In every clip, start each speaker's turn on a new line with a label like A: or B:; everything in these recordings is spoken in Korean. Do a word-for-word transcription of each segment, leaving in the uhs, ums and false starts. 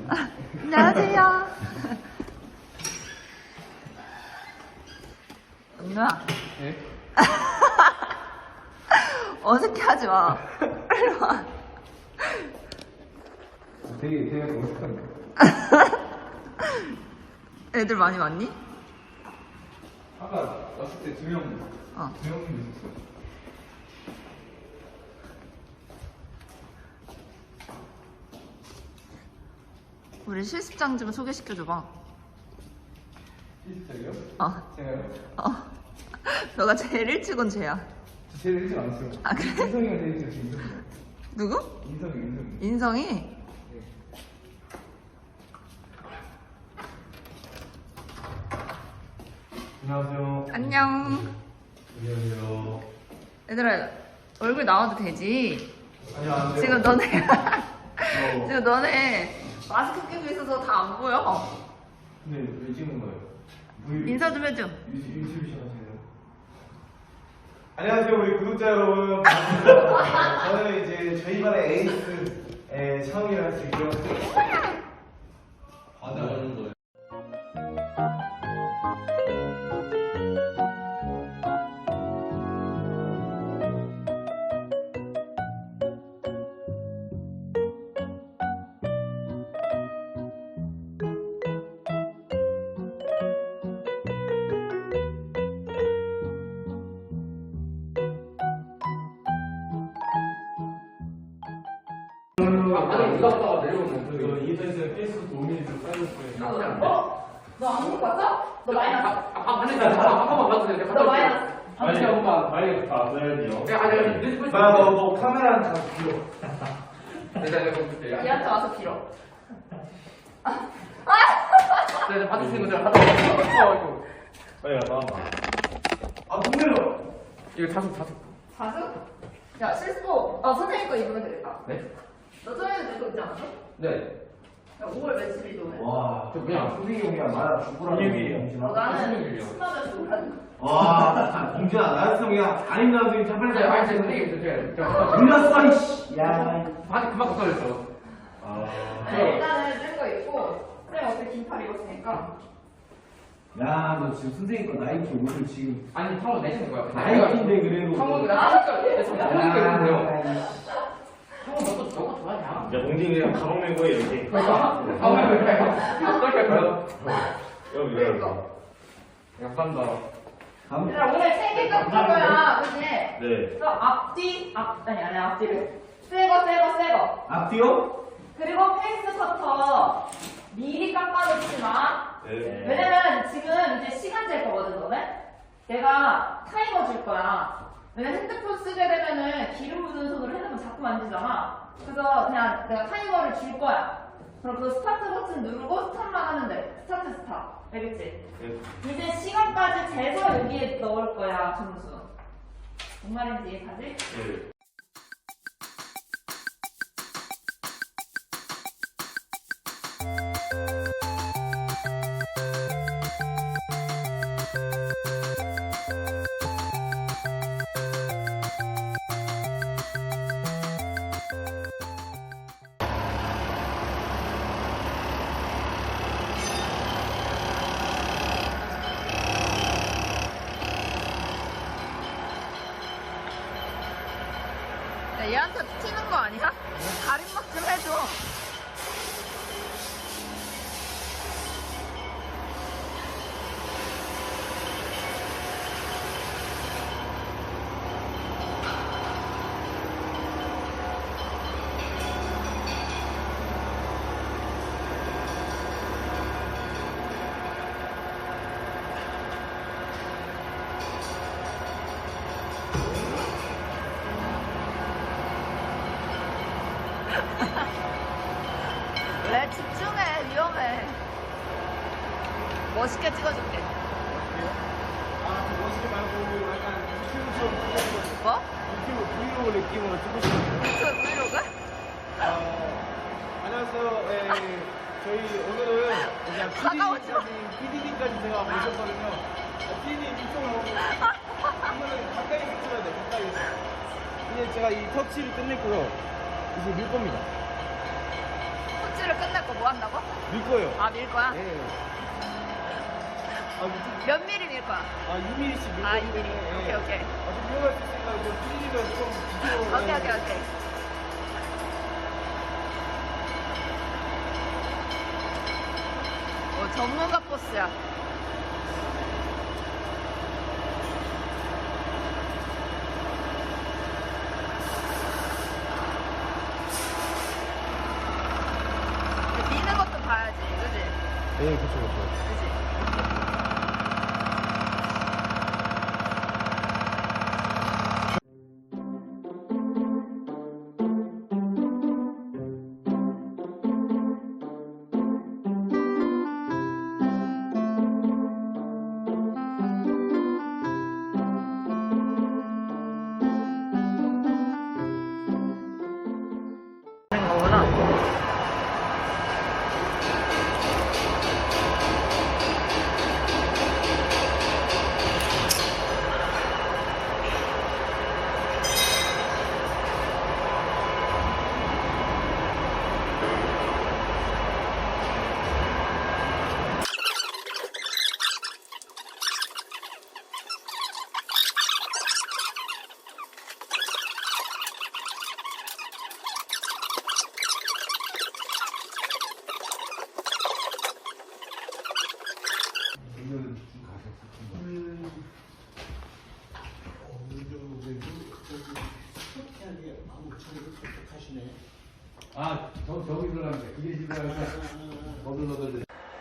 A: 안녕하세요. 은우야.
B: 네?
A: 어색해하지 마. 빨리 와.
B: 되게 되게 어색한데.
A: 애들 많이 왔니?
B: 아까 왔을 때 두 명,
A: 어.
B: 두 명쯤 있었어.
A: 우리 실습장 좀 소개시켜줘봐.
B: 실습장이요?
A: 어.
B: 제가요?
A: 어. 너가 제일 일찍 온 쟤야.
B: 저 제일 일찍 안 왔어요.
A: 아, 그래?
B: 인성이가 제일 일찍 왔어요. 인성이.
A: 누구?
B: 인성이, 인성이.
A: 인성이?
B: 네. 안녕하세요.
A: 안녕.
B: 안녕하세요.
A: 얘들아, 얼굴 나와도 되지?
B: 안녕하세요.
A: 지금 너네,
B: 어.
A: 지금 너네 마스크 끼고 있어서 다 안 보여.
B: 근데 왜 찍는 거예요? 브이로그?
A: 인사 좀 해줘.
B: 유튜브 유튜브 시작하세요. 안녕하세요, 우리 구독자 여러분. 반갑습니다. 저는 이제 저희 반의 에이스의 차웅이라 할 수 있고요. 받아가는 거예요.
C: 아니 누가 갔다가 내려오는
B: 그 인터넷에 페이스북 도우미들 쌓여있을 거예요.
C: 어?
A: 너 아무것도 봤어? 너 마이너스.
C: 아 아니 나한 번만 봐도 돼.
A: 너 마이너스.
B: 빨리 한번 빨리 봤어야죠.
C: 내가 아니 아니 뉴스
B: 나 너 너 카메라는 다 빌어.
C: 내가 내가 볼게.
A: 얘한테 와서 빌어.
C: 내가 받을 수 있는 거 내가 받아. 어
B: 빨리 가 나와봐. 아 동네로.
C: 이거 다섯 다섯.
A: 자수? 야, 실습복. 어, 선생님 거 입으면 되겠다.
C: 네?
A: 너 저녁에 내거 입지 않았어?
C: 네.
A: 야, 오월 며칠이 너네?
B: 와,
C: 저 그냥
B: 선생님 형이랑 나랑 죽으라는 얘기.
A: 어, 나는
C: 선생님이요.
A: 신나면 죽으라는 거.
B: 와, 공주야, 나였으면 그냥 아닌가 하더니 참 빨리
C: 네, 아니 제가 선생님 제가
B: 몰랐어, 이씨. 야.
C: 바지 그만 걷어졌어.
B: 아.
A: 네, 일단은 뜬거 입고, 쌤 어차피 긴팔 입었으니까.
B: 야, 너 지금 선생님 거 나이키 옷을 지금
C: 아니 상호 내시는 거야.
B: 나이키인데 그래도.
C: 상호 나 상호가 상호가 있는데요. 상호 너도 너가 좋아하냐?
D: 이제 몽진이랑 가방 메고 해 이렇게.
C: 그러니까 상호가 왜 그래? 어떻게 할 거야?
D: 여기
A: 그러니까.
C: 감사합니다.
B: 감.
A: 얘들아, 오늘 세개 깎을 거야, 그치?
D: 네.
A: 그래서 앞뒤, 앞, 아니, 아니, 앞뒤를. 새거, 새거, 새거.
B: 앞뒤요?
A: 그리고 페이스 커터 미리 깎아놓지 마.
D: 네.
A: 왜냐면 지금 이제 시간 잴 거거든, 너네? 내가 타이머 줄 거야. 왜냐면 핸드폰 쓰게 되면은 기름 묻은 손으로 핸드폰 자꾸 만지잖아. 그래서 그냥 내가 타이머를 줄 거야. 그럼 그 스타트 버튼 누르고 스탑만 하면 돼. 스타트, 스탑. 알겠지?
D: 네.
A: 이제 시간까지 재서 여기에 넣을 거야, 점수. 뭔 말인지 이해가지?
D: 네.
A: 야, 얘한테 튀는 거 아니야? 가림막 좀 해줘. 왜 집중해, 위험해. 멋있게 찍어줄게.
B: 아, 멋있게 말고 약간 유튜브처럼 찍고 싶어요.
A: 뭐?
B: 유튜브 브이로그 느낌으로 찍고 싶어요.
A: 그 브이로그?
B: 어, 안녕하세요. 예, 저희 오늘은 그냥
A: 다가오지 마.
B: 피디님까지, 피디님까지 제가 모셨거든요. 아, 피디님 이쪽으로 오고. 이거는 가까이서 찍어야 돼, 가까이서. 이제 제가 이 터치를 끝냈고요. 이제 밀 겁니다.
A: 코치를 끝냈고 뭐 뭐 한다고?
B: 밀 거예요.
A: 아, 밀 거야?
B: 예. 아, 좀-
A: 몇 미리 밀 거야?
B: 아, 육 밀리미터씩 밀
A: 아,
B: 거예요.
A: 이 미리. 오케이, 오케이.
B: 아, 좀 위험할 수 있으니까 좀 피디님은 좀 뒤로.
A: 오케이, 오케이, 오케이. 어, 전문가 포스야. 미는 것도 봐야지, 그지?
B: 네, 그쵸, 그쵸.
A: 그지? 하는 거구나.
C: 아, 저, 저기 들어가는데, 그게 지금 너들너들.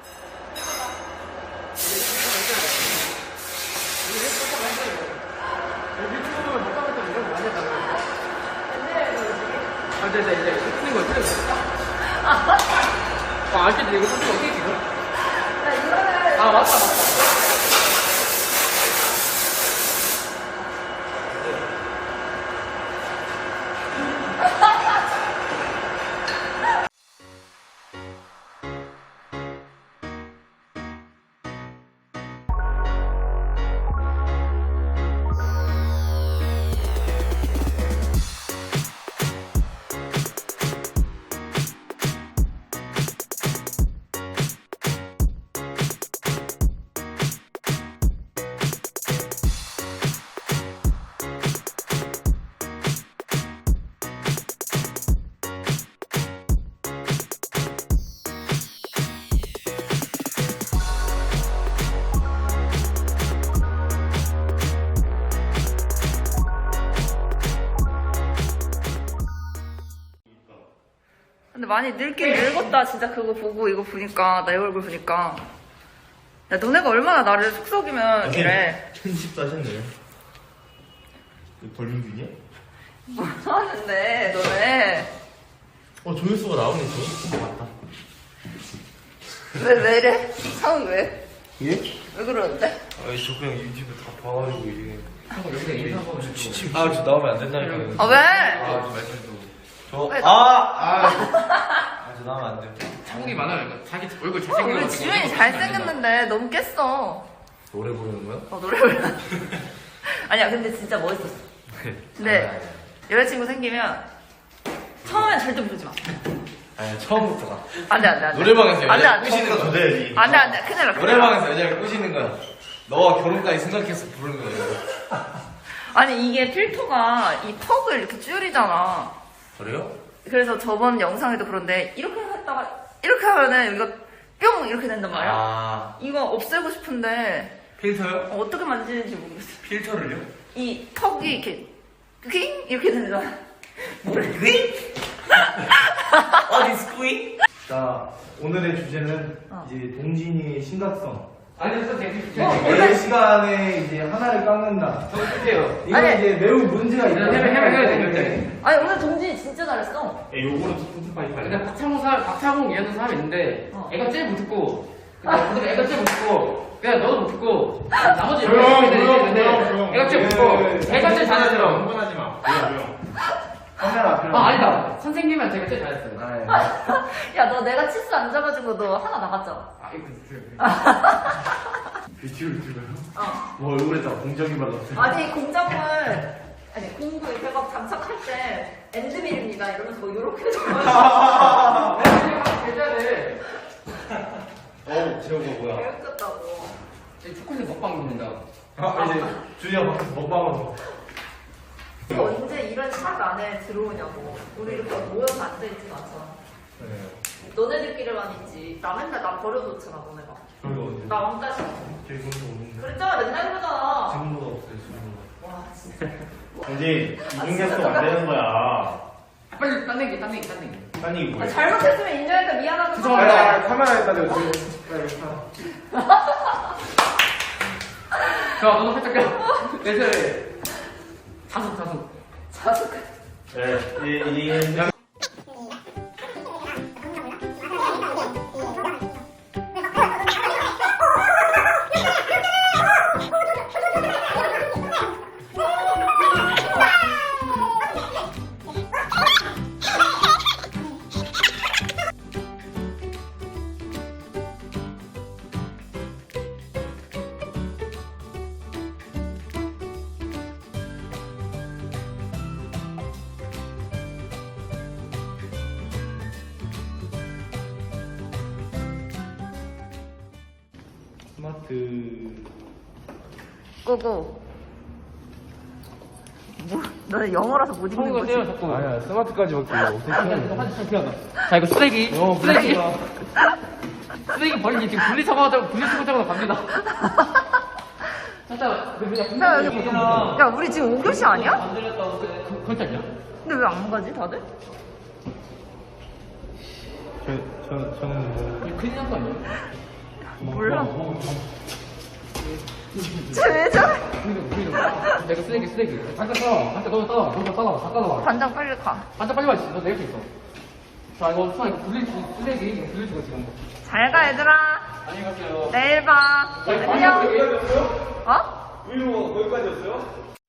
E: 아, 이제, 이제, 이제, 틀린 거, 틀린 거. 아, 아시지? 이거 틀린 거 어떻게 지금? 아, 맞다, 맞다. 근데 많이 늙긴 늙었다 진짜 그거 보고 이거 보니까 내 얼굴 보니까 야 너네가 얼마나 나를 속썩이면 이래
D: 편집도 하셨네요. 이거 벌민균이야?
A: 뭐 하는데 너네
D: 어, 조회수가 나오네, 저. 맞다.
A: 왜 왜 이래? 상은 왜?
D: 예?
A: 왜 그러는데?
D: 아니, 저 그냥 유튜브 다 봐가지고, 이게.
E: 여기다 인사 한번 해주고.
D: 아, 저 나오면 안 된다니까요.
A: 아 왜?
D: 아, 저 말씀도. 저,
A: 왜?
D: 아! 아! 아, 저 나오면 안 돼요.
E: 창욱이 많아요. 이거. 자기 얼굴
A: 어,
E: 잘생긴
A: 우리 지훈이 잘생겼는데 너무 깼어.
D: 노래 부르는 거야?
A: 어 노래 불러. 아니야 근데 진짜 멋있었어. 근데 여자친구 생기면 처음엔 절대 부르지 마.
D: 아니, 처음부터가.
A: 안돼 안돼 안돼.
D: 노래방에서
A: 안돼
D: 여자를
A: 안돼.
D: 꼬시는 거 돼야지.
A: 안돼 안돼 큰일 나. 큰일 나.
D: 노래방에서 여자를 꼬시는 거야. 너와 결혼까지 생각해서 부르는 거야.
A: 아니 이게 필터가 이 턱을 이렇게 줄이잖아.
D: 그래요?
A: 그래서 저번 영상에도 그런데 이렇게 했다가 이렇게 하면은 이거 뿅 이렇게 된단 말이야.
D: 아,
A: 이거 없애고 싶은데
D: 필터요?
A: 어, 어떻게 만지는지 모르겠어.
D: 필터를요?
A: 이 턱이 이렇게 퀭 이렇게 되잖아. 뭐래?
D: 어디 스쿠이?
B: 자, 오늘의 주제는
A: 어.
B: 이제 동진이의 심각성.
E: 아니, 선생님.
A: 어,
B: 매 시간에 이제 하나를 깎는다.
E: 저 어떡해요?
B: 이거
A: 아니.
B: 이제 매우 문제가 있다.
E: 해면, 해면 해야 돼, 결제.
A: 아니 오늘 동진이 진짜 잘했어.
D: 예, 요거는 툭툭 빨리 빨리.
E: 근데 박창호 사, 박창호 이하는 사람이 있는데,
A: 어.
E: 애가 제일 못 듣고, 근데 애가 제일 못 듣고, 그냥 너도 못 듣고, 나머지
B: 조용,
E: 여러 명이
B: 조용,
E: 있는데,
B: 조용, 조용.
E: 애가 제일 못
B: 예,
E: 듣고,
B: 예.
E: 애가 제일 잘하더라고.
D: 흥분하지 마. 조용, 조용.
B: 카메라 앞에.
E: 아, 아니다. 선생님은 제가 제일 잘했어요.
B: 아, 예.
A: 야 너 내가 치수 안 잡아준 거 너 하나 나갔잖아.
E: 아, 이거 드세요.
B: 뷰티를 찍어요?
A: 어.
B: 뭐 얼굴에다 공정이 발랐어요.
A: 아니 공작물 아니 공구 이렇게 막 장착할 때 엔드밀입니다 이러면서 뭐 이렇게 해줘가지고
E: 계좌를
D: 어, 재호가 뭐야?
E: 배웠겠다고.
C: 이제 초콜릿 먹방 된다.
D: 아, 이제 준이가 밖에서 먹방으로.
E: 언제 이런 샷 안에 들어오냐고. 우리 이렇게 모여서 앉아있진 않잖아.
D: 네.
E: 너네들끼리만 있지. 나 맨날 나 버려놓잖아, 너네가.
D: 저희가 언제?
E: 나 왕따시.
D: 저희 그런 거 없는데.
E: 그랬잖아, 맨날 그러잖아.
D: 지금보다 없어요, 지금보다.
E: 와, 진짜.
B: 이제 이중계속 안 되는 거야.
C: 빨리 딴 얘기, 딴 얘기, 딴 얘기.
B: 아니 이거
A: 아,
B: 뭐야?
A: 잘못했으면 인정할까 미안하다.
C: 죄송합니다.
B: 아, 카메라에다 대고 지금.
C: 자, 너도 살짝 껴. 내 차례. 자숙, 자숙.
E: 자숙.
B: 네, 이, 이,
D: 스마트.
E: 고고. 뭐, 너네 영어라서 못 읽는 거지?
C: 떼요, 자꾸.
D: 아니야, 스마트까지 밖에 어떻게
C: 자, 이거 쓰레기.
D: 어,
C: 쓰레기.
D: 분리수거.
C: 쓰레기 버리기 지금 분리수거하자고, 분리수거하자고 갑니다. 살짝, 그, 그냥
E: 야, 여기
C: 분리수거.
E: 야, 우리 지금 오 교시 아니야?
C: 안 들렸다고, 그, 그건 아니야?
E: 근데 왜 안 가지, 다들?
D: 저, 저, 저는 뭐.
C: 이거 큰일 난 거 아니야?
E: 몰라. 쟤왜 저래?
C: 분리수거, 분리수거. 내가 쓰레기, 쓰레기. 잠깐 떠. 잠깐 너 떠. 너도 떠. 다 떠.
E: 반장 빨리 가.
C: 반짝 빨리 와. 너 내릴 수 있어. 자, 이거 수아, 이거 분리수거, 쓰레기. 이거 분리수거 지금.
E: 잘 가, 얘들아.
C: 안녕히 가세요.
E: 내일 봐. 안녕. 어?
B: 의료가 거기까지였어요?